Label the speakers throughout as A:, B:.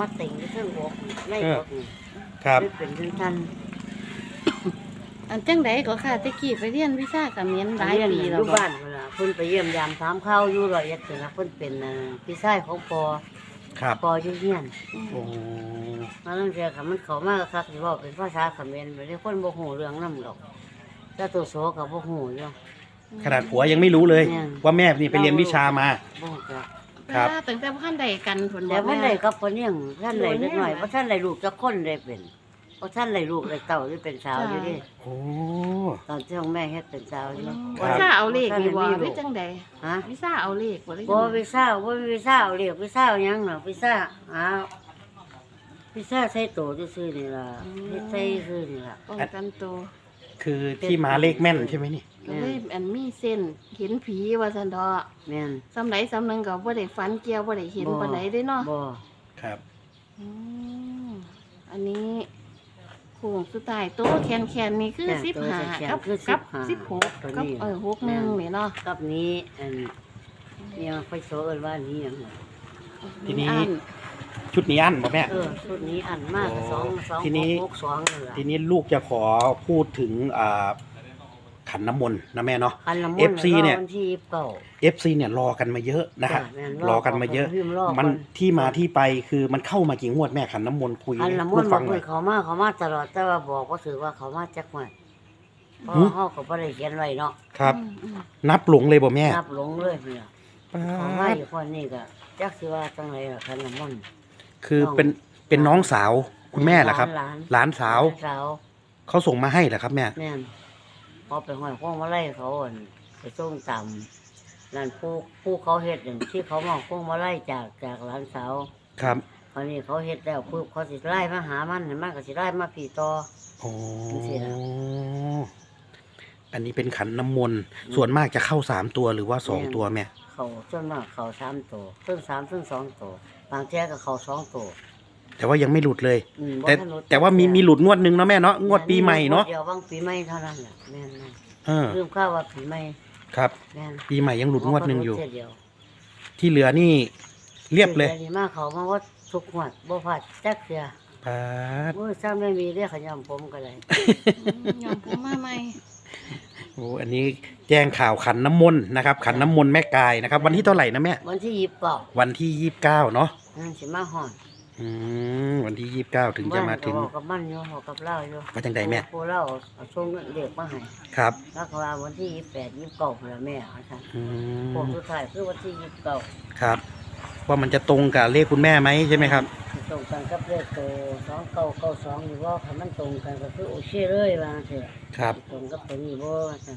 A: มาติ่งที่เครื่องอกไล่อกนี่
B: ครับ
A: เป็นท่าน
C: อันจังไดก็ค่ะตะกี้ไปเรียนวิชาเขมรหลายปี
A: อ
C: แล้ว
A: ยู่
C: บ่
A: บ้านเวลาเพิ่นไปเยี่ยมยามถามข้าวอยู่ร้อยเอ็ดนี่ล่ะเพิ่นเป็นพี่ชายของปอ
B: ครับ
A: ปออยู่เฮียน
B: โอ้
A: มาตั้งแต่ค่ะมันเข้ามาคักสิเว้าเป็นภาษาเขมรบ่ได้คนบ่ฮู้เรื่องนำดอกแต่ตัวโสก็บ่ฮู้อยู่
B: ขนาดผัวยังไม่รู้เลย
A: เนี่ย
B: ว่าแม่นี่ไปเรียนวิชามา
A: บ่ฮู้จัก
B: ครับ
C: เวลาตั้งแต่บ่ทันได้กันผล
A: แต่บ่ได้กับคนยังท่านได้เล็กน้อยบ่ท่านได้ลูกจักคนได้เป็นบ่ท่านได้ลูกได้เต้าหรือเป็นสาวอยู่ดิ
B: โอ้
A: ตอนที่ของแม่เฮ็ดเป็นสาวอยู่
B: ครั
C: วิ
B: บ
C: ชาเอาเลขนี่บ่
A: ท่าน
C: ห
A: ได้
C: รือ
A: มี
C: จังได
A: ฮะ
C: วิชาเอาเลขบ่หรือ
A: บ่
C: จังใด
A: วิชาบ่มีวิชาเอาเรียกวิชาเอาหยังเนาะวิชาวิชาใส่โตซื่อๆนี่ล่ะเฮ็ดใส่ซื่อนี่ล่ะ
C: ป้องกันตัว
B: คือที่มาเลขแม่นใช่ไหมนี่
C: ก็เลยอันมีเส้นเห็นผีว่าซั่นดอก
A: แม่น
C: สำไหนสำนึงก็บ่ได้ฝันเกี่ยวบ่ได้เห็นปานใดเด้เนาะ
A: บ่
B: ครับ
C: อืมอันนี้โค้งสุดท้ายโตแคนๆนี่คือ15กับ16กับ61นี่เนาะ
A: กับนี้เนี่ยไฟโซเอิ้นว่านี้หยังน่ะ
B: ทีนี้
C: อัน
B: ชุดนี้อันบ่แม่
A: ชุดนี้อันมาก2
B: ทีนี้
A: 2 นี่ล่ะ
B: ทีนี้ลูกจะขอพูดถึงขันน้ำมนต์นะแม่เนาะ
A: อันละมุน
B: FC เนี่ย
A: วันที่29
B: FC เนี่ยรอกันมาเยอะนะครับ
A: จ้ะแม่น
B: รอกันมาเยอะ
A: พิมพ์รอก่อน
B: มันที่มาที่ไปคือมันเข้ามากี่งวดแม่ขันน้ำมนต์คุย
A: อันละมุ
B: พู
A: น
B: ด
A: บอ
B: ฟั
A: ก
B: งห
A: เล
B: น่อย ย
A: เขามาตลอดแต่ว่าบอกว่าถือว่าเขามาจักหน่อยเพราะ
B: หือ
A: เฮาก็บ่ได้เขียนไว้เนาะ
B: ครับ
C: อืม
B: นับหลงเลยบ่แม่
A: นับหลงเลยเนี่ย
B: ป๊า
A: เขามา
B: ด
A: อยู่คนนี้ก็จักสิว่าจังไรล่ะคันละมุน
B: คือเป็นน้องสาวคุณแม่เหรอครับ
A: หลาน
B: หลานสาว
A: สาว
B: เขาส่งมาให้เหรอครับแม่
A: แม่นพอไปห้อยพวงมาไล่เขาอั่นไปส่งต่ำนั่นผู้เขาเฮ็ดนั่นที่เขามาพวงมาไล่จากหลานสาว
B: ครับ
A: คราวนี้เขาเฮ็ดแล้วปุ๊บเขาสิไล่มาหามันเห็นมันก็สิไล่มาผีต่อ
B: โอ้
A: จังสิล่ะ
B: อันนี้เป็นขันน้ำมนต์ส่วนมากจะเข้า3 ตัวหรือว่า2 ตัวแม่
A: เขาส่วนมากเขา3 ตัวซึ่ง3ซึ่ง2 ตัวบางเที่ยก็เขา2 ตัว
B: แต่ว่ายังไม่หลุดเลย
A: บ่
B: แต่
A: ทันรู้
B: แต่ว่ามีหลุดงวดหนึงเนาะแม่เนาะงวดปีใหม่เนาะ
A: เดี๋ยวบางปีใหม่เท่านั้นแหละแม่น
B: เออ
A: ลืมข้าวว่าปีใหม่
B: ครับ
A: แม่น
B: ปีใหม่ยังหลุดงวดหนึ่งอยู่
A: เสีเดีว
B: ที่เหลือนี่เรียบเลย
A: สีดีมากเขามาว่าทุกหวดบ่พลาดจักเสีย
B: ปาด
A: โอ้ยซ้ำไม่มีเรียกขยำผมก็เลย
C: ยอมผมมาใหม่
B: โอ้อันนี้แจ้งข่าวขันน้ำมนต์นะครับ ขันน้ำมนต์แม่กายนะครับ วันที่เท่าไหร่นะแม่
A: วันที่29
B: วันที่29เนาะ
A: นั่นสิมาหอน
B: วันที่29ถึงจะมาถึง
A: บ้นก็เว้กับมันอยู่เว้ากับเล่าอยู่
B: ว่าจังใดแม่
A: ผู้เล่าเอาส่งเงินเด็กมาให้
B: ครับ
A: แล้วก็ว่าวันที่28 29พุ่นล่ะแม่เอาซั่น
B: อื
A: พวก
B: ม
A: สุดท้ายคือวันที่29
B: ครับ ว่ามันจะตรงกับเลขคุณแม่ไหมใช่ไหมครับ
A: ตรงกันกับเลขโต2992นี่ว่าคันมันตรงกันก็คือโอเคเลยว่าจังซี่
B: ครับ
A: ตรงกับตัวนี้บ่ว่าซั่น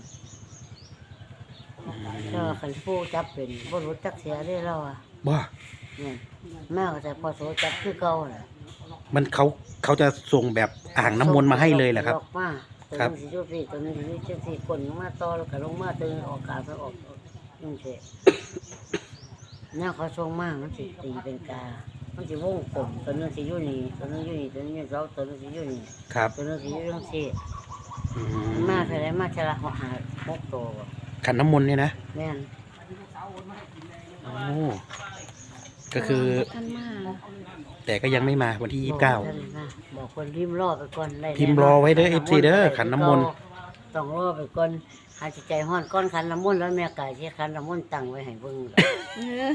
A: ถ้าคันผู้จับเป็นบ่รู้จักเสียได้แล้วอ่ะ
B: ว่า
A: เนี่ยแม่ก็จะพอโสจับคือเก่าแหละ
B: มันเขาจะส่งแบบอ่างน้ำมนต์มาให้เลยเหรอครับ
A: ออกมาตัว
B: ครับ
A: นึงสิจุดสี่ตัวนึงสิจุดสี่คนลงมาต่อแล้วก็ลงมาตึงออกกาไปออกนี่เฉยเนี่ยเขาส่งมามันสิตีเป็นกา มันสิวงกลมตัวนึงสิอยู่นี่ตัวนึงอยู่นี่ตัวนึงอยู่สองตัวนึงสิอยู่นี่
B: ครับ
A: ตัวนึงสิอยู่จังซี่
B: อื
A: มาเท่าไรมาเท่าละหา6ตัวบ่
B: ขันน้ำมนต์เนี่ยนะ
A: แม่น
B: โอ้ก็คือ
C: ท่านมา
B: แต่ก็ยังไม่มาวันที่
A: บอกท่านนะบอกคนพิมพ์รอไปก่อนได้
B: พิมพ์รอไว้เด้อ FC เด้อขันน้ำมนต์
A: ต้องรอไปก่อนหาจิตใจฮ้อนก้อนขันน้ำมนต์แล้วแม่กายที่ขันน้ำมนต์ตั้งไว้ให้เบิ่ง
C: เออ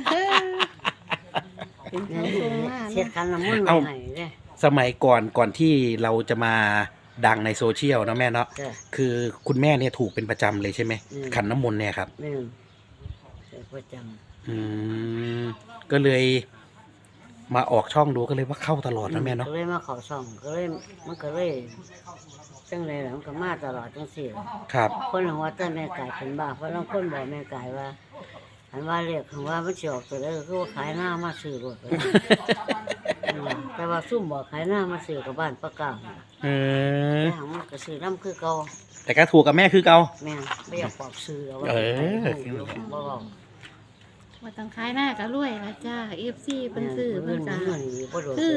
C: เป็นเขาส่งมา
A: เช็ด
C: เนาะ
A: ขันน้ำมนต์ไว้ให้เด้
B: สมัยก่อนที่เราจะมาดังในโซเชียลนะแม่เนาะ
A: จ้ะ
B: คือคุณแม่เนี่ยถูกเป็นประจำเลยใช่ไหม
A: อืม
B: ขันน้ำมนต์เนี่ยครับ
A: แม่นเช็ดประจ
B: อืมก็เลยมาออกช่องดูก็เลยว่าเข้าตลอด
A: ำ
B: นะแม่เนาะ
A: ก็เลยมาเข้าช่องก็เลยมันก็เลยจังไดล่ะมันก็มาตลอดจังซี่ล่ะ
B: ครับ
A: คนของว่าแต่แม่กายเป็นบ้าเพราะบางคนบอกแม่กายว่าอันว่าเรียกคำว่ามันสิออกตัวใดก็คือว่าขายหน้ามาซื้อรถไป แต่ว่าซุ่มบอกขายหน้ามาซื้อกับบ้านประกาศ
B: เออ
A: แต่หางมันก็ซื้อน้ำคือเก่า
B: แต่ก็ถูกกับแม่คือเก่า
A: แม่นไม่อยากปอกซื้อเอาไว้
B: เออ
A: บ่เว้า
C: ว่าต้องขายหน้าก็รวยละจ้า FC เพิ่นซื้อเพิ่น
A: เงิ
C: จ้า
A: เงินบ่โดน
C: คือ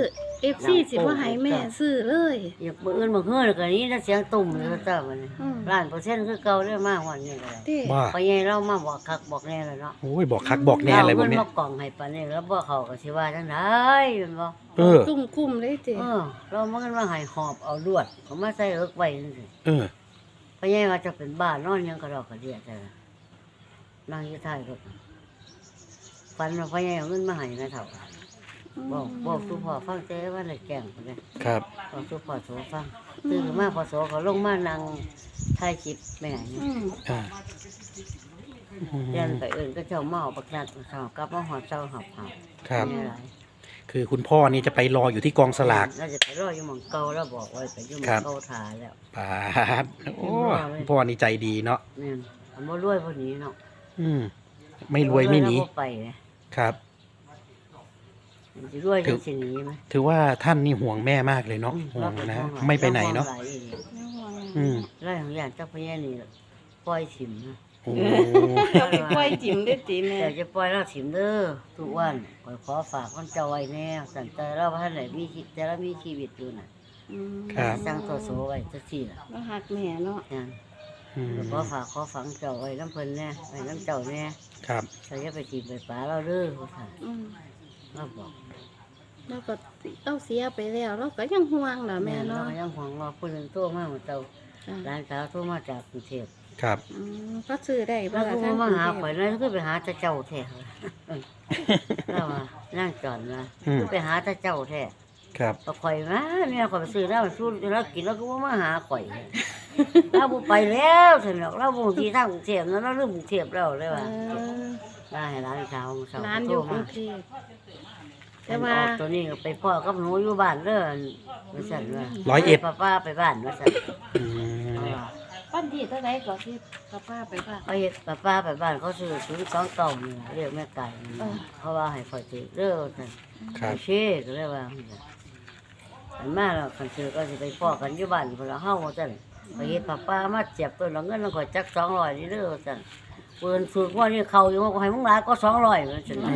C: FC สิบ่ให้แม่ซื้อเลย
A: อยากมื้ออื่นมื้อฮื้อแล้วก็นี้ถ้าเสียงตุ่มแล้วจ้าบัดนี้
C: อืม
A: 1,000%คือเก่าได้มาฮอดนี่ก็ได้
C: เด้
B: ว่า
A: พอใหญ่เรามาบอกคักบอกแน่แล้วเนาะ
B: โอ้ยบอกคักบอกแน่เลยพวกเนี้ย
A: มากล่องให้ปานนี้แล้วบ่เขาก็สิว่าจังได๋แม่นบ่
B: เออ
C: ตุ้มคุ้มเลยเจ้
A: เรามันก็ว่าให้หอบเอาลวดเขามาใส่เอิกไว้จังซี่
B: เออ
A: พอใหญ่ว่าจะเป็นบ้านนอนยังกระดอกกระเดียแต่นั่งอยู่ท้ายรถฝันว่าพอใหญ่เอาเงินมาให้นะเฒ่าบอกสู่พ่อฟังแต่ว่าได้แกล้งพุ่นเด้
B: ครับ
A: บอกสู่พ่อโสฟังตื่นขึ้นมาพ่อโสเขาลงมานั่งถ่ายคลิปแม่นี่
C: อืม
B: อ่า
A: เรียนไปเอิ้นก็เจ้าเมาบักนัดเฒ่ากลับมาหอดเจ้าหับ
B: ครับ
A: นี่หลาย
B: คือคุณพ่อนี่จะไปรออยู่ที่กองสลาก
A: เราจะไปรออยู่หม่องเก่าแล้วบอกไว้ไปอยู่หม่
B: ครั
A: อง
B: บ
A: เก่าถ่ายแล้ว
B: ปาดโอ้คุณพ่อนี่ใจดีเนาะ
A: นี่นอันบ่รวยพวกนี้เนาะ
B: อืม ไม่รวยไม่หนี
A: แล้วบ่ไปไง
B: ครับ
A: มันสิรวยจังสิหนีไหม
B: ถือว่าท่านนี่ห่วงแม่มากเลยเนาะห่วงนะไม่ไปไหนเนาะ อืม
A: ไล่ของอย่างเจ้าพญานี่ปล่อยถิ่มนะ
B: โอ้
C: เราไปปล่อยจิ้มได้ติแม่
A: แต่จะปล่อยเราถิ่มเด้อทุกวันขอฝากคนเจ้าไว้แน่สันแต่เราท่านไหนมีชีวิตแต่เรามีชีวิตอยู่น่ะ
C: อืม
B: ครับ
A: สร้างตัวโสไว้จักซี่ล่ะ
C: เราหักแม่เนาะ
A: นั่น
B: อืม
A: ขอฝากขอฝังเจ้าไว้น้ำเพิ่นแน่ไว้น้ำเจ้าแน่
B: ครับ
A: เราจะไปถิ่มไปป่าเราเด้อว่าซั่น
C: อืม
A: เราบอก
C: เราก็เราเสียไปแล้วเราก็ยังห่วงล่ะแม่
A: เรา
C: เนาะ
A: ยังหวังว่าผู้หนึงโทรมาว่าเจ้า
C: จ้ะ
A: ร้านสาวโทรมาจากกรุงเทพ
B: ครับ
C: อืมก็ซื้อได้บ่
A: แล้ว
C: ล่ะ
A: ก็
C: ทาง
A: มาหาก
C: รุง
A: ข่อย
C: เทพ
A: เลยก็ไปหาแต่เจ้าแท้ แล้วว่านั่งจอนมา
B: อืม
A: ไปหาแต่เจ้าแท้
B: ครับ
A: ก็ข่อยมาเนี่ยข่อยไปซื้อแล้วสู้แล้วกินแล้วก็บ่มาหาข่อย เราบ่ไปแล้วซั่นดอกเราบ่ที่ทางกรุงเทพนั้นเราลืมกรุงเทพแล้วเลย
C: เอ
A: ว่า
C: อ
A: ได้ให้ร้านสาวสาว
C: ร้านอ
A: โทร
C: ยู่กรุ
A: มาง
C: เทพ แต่
A: แต่
C: ว่า
A: ว่าตัวนี้ก็ไปพ่อกับหนูอยู่บ้านเด้อว่าซั่นว่า
B: 101
A: ป้าไปบ้านว่าซั่น
B: อืม
C: ปั้นที่เท่าไหร่ก็ที่ป้าไปบ้าน
A: ไปเฮ็ดป้าไปบ้านเขาซื้อ029นี่ล่ะเรียกแม่ไก่นี่
C: เออ
A: เขาว่าให้ข่อยซื้อเด้อว่าซั่น
B: ครับ
A: เช่ก็เลยว่าอันมาแล้วคันซื้อก็สิไปพ่อกันอยู่บ้านพุ่นละเฮาว่าซั่นไปเฮ็ดป้ามาเจ็บตัวละเงินแล้วข่อยจัก200นี่เด้อว่าซั่นเปิ้นฝึกว่านี่เขาอยู่ว่าให้มึงหลายก็200ว่าซั่น
B: โอ้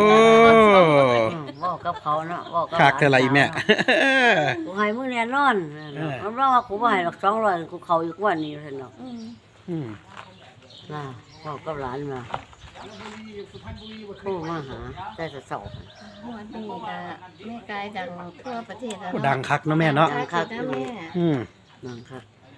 A: เว้ากับเขาเนาะเว้ากับ
B: คักเท่าไหร่แม่
A: กูให้มึงแน่นอนรับรองว่ากูบ่ให้หรอก200กูเขาอยู่กว่านี้ว่าซั่นเนาะ
C: อืม
B: อืม
A: น่ะเว้ากับหลานมาโทรมาหาแต่เช้า
C: วันนี้ก็แม่กายดังทั่วประเทศแล้ว
B: โอ้
C: เนาะ
B: ดังคักเนาะแม่เนาะ
C: ดังคักนะแม่
B: อืม
A: นั่นครับ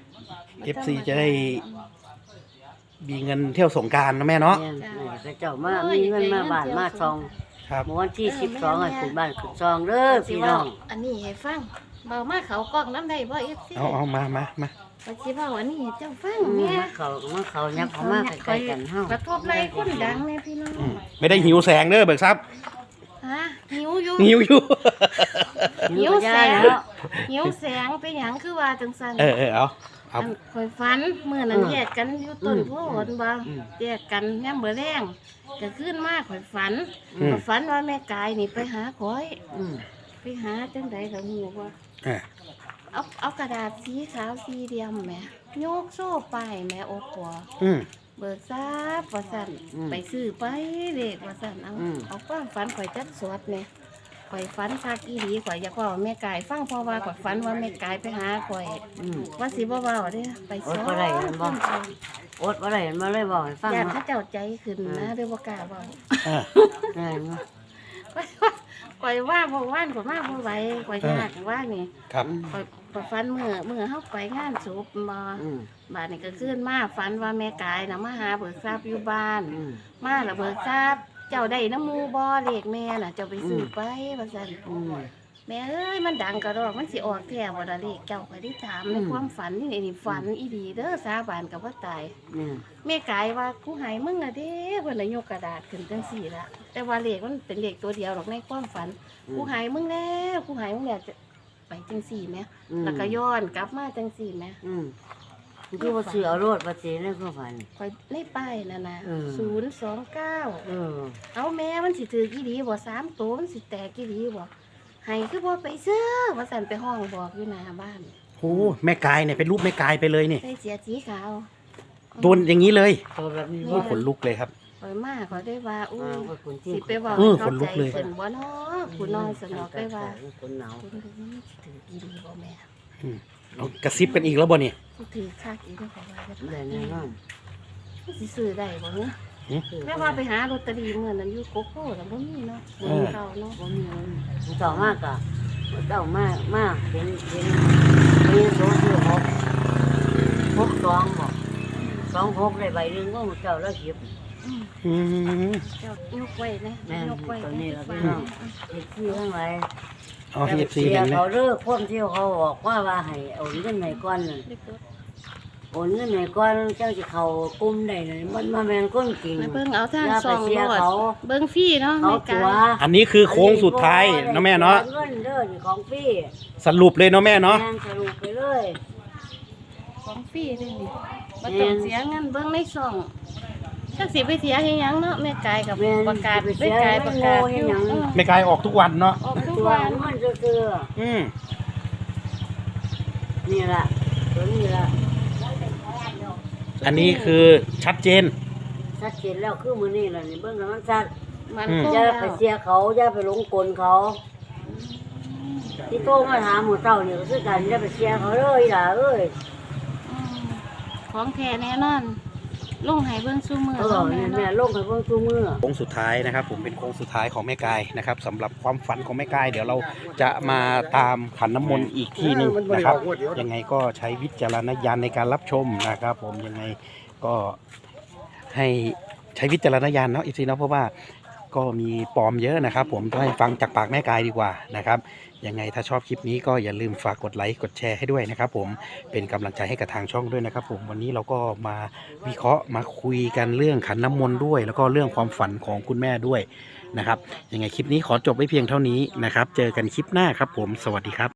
B: FC จะได้มีเงินเที่ยวสงกรารนะแม่เนาะ
A: เนี่ยพระเจ้ามามีเงินมาบ้านมาซอง
B: ครับ
A: เมื่อวันที่12ให้ขึ้นบ้านขึ้นซองเด้อพี่น้อง
C: อันนี้ให้ฟังเบามาเขากล้องน้ำได้บ่ FC
B: เอามามา
C: ไปสิเว้าอันนี้ให้เจ้าฟัง
A: มา
C: แม่
A: เขายับเขามาใกล้ๆกันเฮาก
C: ระทบไรคนดังแม่พี่น้อง
B: อืมไม่ได้หิวแสงเด้อเบิกทรัพย์
C: ฮะหิวอยู่
B: หิวอยู่
A: หิวแสงแล้ว
C: หิวแสงเป็นหยังคือว่าจังซั่น
B: เอา
C: อันข่อยฝันมื้อนั้นแยกกันอยู่ต้นโพธิ์บ่
A: อืม
C: แยกกันยามมื้อแลงก็ขึ้นมาข่อยฝัน
B: อืม
C: ข่อยฝันว่าแม่กายนี่ไปหาข่อย
A: อืม
C: ไปหาจังไดก็ฮู้ว่า
B: อ่า
C: เอากระดาษสีขาวสีเดียมแหม่โยกโซ่ไปแหม่โอ้ปัว
B: อืม
C: เบิกทราบว่าสั่นไปซื้อไปเด็กว่าสั่นเอาความฝันข่อยจัดสวดเนี่ยข่อยฝันคักอีหลีข่อยอยากเว่าแม่กายฟังเพราะว่าข่อยฝันว่าแม่กายไปหาข่อย
A: อืม
C: ว่าสิบ่เว้าเด้อไปสอน
A: อดบ่ได้แม่นบ่ อดบ่ได้มาเลยบอกให้ฟัง
C: อยาก
A: เนาะ
C: เขาเจ้าใจขึ้นนะเด้อบ่กล้าเว้า
B: อ่า
A: ได้เนาะ
C: ข่อยว่าบ่ว่านข่อยมาบ่ไหวข่อยยากว่านี่
B: ครับ
C: ข่อยฝันมื้อเฮาไปงานศพบ่
A: อืม
C: บาดนี้ก็ขึ้นมาฝันว่าแม่กายน่ะมาหาเบิกทรัพย์อยู่บ้าน
A: อืม
C: มาและเบิกทรัพย์เจ้าได้น้ำหมูบ่เลขแม่น่ะเจ้าไปซื้อไปว่าซั่น
A: อืม
C: แม่เอ้ยมันดังกระดอกมันสิออกแท้บ่ล่ะเลขเจ้าข่อยได้ถามใน
A: อืม
C: ความฝันนี่ฝันอีดีเด้อสาบานกับว่าตาย
A: เนี่ย
C: แม่กายว่ากูใหายมึงอะเด้เพิ่นน่ะยกกระดาษขึ้นจังซี่ละแต่ว่าเลขมันเป็นเลขตัวเดียวหรอกในความฝันกูใหายมึงแล้วกูใหายมึงแล้วจะไปจังซี่แหม
A: อืม
C: แล้วก็ย้อนกลับมาจังซี่แหม
A: อืมคือว่าซื้อเอารถมาเจในความฝัน
C: ข่อยในป้ายนั่นน่ะ
A: อืม
C: 029
A: เออ
C: เอาแม่มันสิถือกี่ดีบ่3ตัวมันสิแตกกี่ดีบ่ให้คือบ่ไปซื้อว่าสั่นไปห้องบอกอยู่หน้าบ้าน
B: โอ้แม่กายเนี่ยเป็นรูปแม่กายไปเลยนี่
C: ใส่เสียสีขาว
B: โดนอย่างนี้เลย
A: ตัวแบบนี้
B: โอ้ขนลุกเลยครับ
C: ขข่อยมาข่อยได้ว่าอุ้ย
A: คนที่
C: สิไปเว้า
B: เออ
C: ให้
B: ขนลุ
C: เข้าก ใจ
B: เลย
C: ขึ้นบ่เนาะผู้น้อยสนอกได้ว่า
A: คนหนาว
C: คุณดูมันสิถืออีหลีบ่แม่
B: เอากระซิบกันอีกแล้วบ่เนี่ย
C: สิถือคักอีกเด้อข่อยว่าจะ
A: ได้แน่นอน
C: สิซื้อได้บ่เนาะแม่ว่าไปหาลอตเตอรี่มื้อนั้นอยู่โกโก้แล้วบ่มีเนาะบ่มีเราเนาะ
A: บ่มีเงินเจ้ามากอะเจ้ามากเป็นโซชื่อ6 2บอก26ได้ใบหนึงก็เจ้าแล้วเก็บ
C: อืม
B: อืม
C: เจ้ายกไว้นะ
A: แม่น
C: ยกไว้
A: ตัวนี้ล่ะพี่น้องเด็กที่ทั้งหลาย
B: เอาให้ FC เห็นไหม
A: เขาเลิกคนที่เขาบอกว่าให้โอนเงินให้ก่อนน่ะโอนเงินให้ก่อนเจ้าสิเข้ากลุ่มได้น่ะมันมาแม่นคนจริง
C: ไปเบิ่งเอาทาง
A: อย่า
C: ซ
A: ไป
C: อง
A: เสีย
C: โลด
A: เขา
C: เบิ่งฟรีเนาะ
A: เขา
C: แม่
A: ตั
C: กา
A: วย
B: อันนี้คือโค้งสุดท้ายนะแม่เนาะ
A: เงินเด้อนี่ของฟรี
B: สรุปเลยเนาะแม่เนาะ
A: แม่นสรุปไปเลย
C: ของฟรีเด้นี่บ่ต้องเสียเงินเบิ่งในซองจักสิไปเสียให้หยังเนาะแม่กายกับ
A: แม่น
C: ประกาศ
A: ไป
C: แม่
A: เสีย
C: กายประกาศ
A: ให้หยัง
B: แม่กายออกทุกวันเนาะ
C: ออกทุก
A: ตัว
C: วัน
A: มันซื่อ
B: อืม
A: ๆนี่ล่ะตัวนี้ล่ะ
B: อันนี้คือชัดเจน
A: ชัดเจนแล้วคือมื้อนี้ล่ะนี่เบิ่งแล้วมันชัด
C: มัน
B: อืม
C: คง
A: อย่า
C: แล้ว
A: ไปเสียเขาอย่าไปหลงกลเขา ที่โตมาถามหมู่เจ้านี่ก็คือกันอย่าไปเสียเขาเลยล่ะเอ้ย
C: อืมของแท้แน่นอนลงให้เบิ่งซุมื้อ
A: เขาบอก
C: เนาะ
A: นี่
C: แม่
A: แม่
C: เนาะ
A: ลงให้เบิ่งซุมื้อ
B: โค้งสุดท้ายนะครับผมเป็นโค้งสุดท้ายของแม่กายนะครับสำหรับความฝันของแม่กายเดี๋ยวเราจะมาตามขันน้ำมนต์อีกที่หนึ่งนะครับยังไงก็ใช้วิจารณญาณในการรับชมนะครับผมยังไงก็ให้ใช้วิจารณญาณเนาะอีกทีเนาะเพราะว่าก็มีปลอมเยอะนะครับผมต้องให้ฟังจากปากแม่กายดีกว่านะครับยังไงถ้าชอบคลิปนี้ก็อย่าลืมฝากกดไลค์กดแชร์ให้ด้วยนะครับผมเป็นกำลังใจให้กับทางช่องด้วยนะครับผมวันนี้เราก็มาวิเคราะห์มาคุยกันเรื่องขันน้ำมนต์ด้วย แล้วก็เรื่องความฝันของคุณแม่ด้วยนะครับยังไงคลิปนี้ขอจบไว้เพียงเท่านี้นะครับเจอกันคลิปหน้าครับผมสวัสดีครับ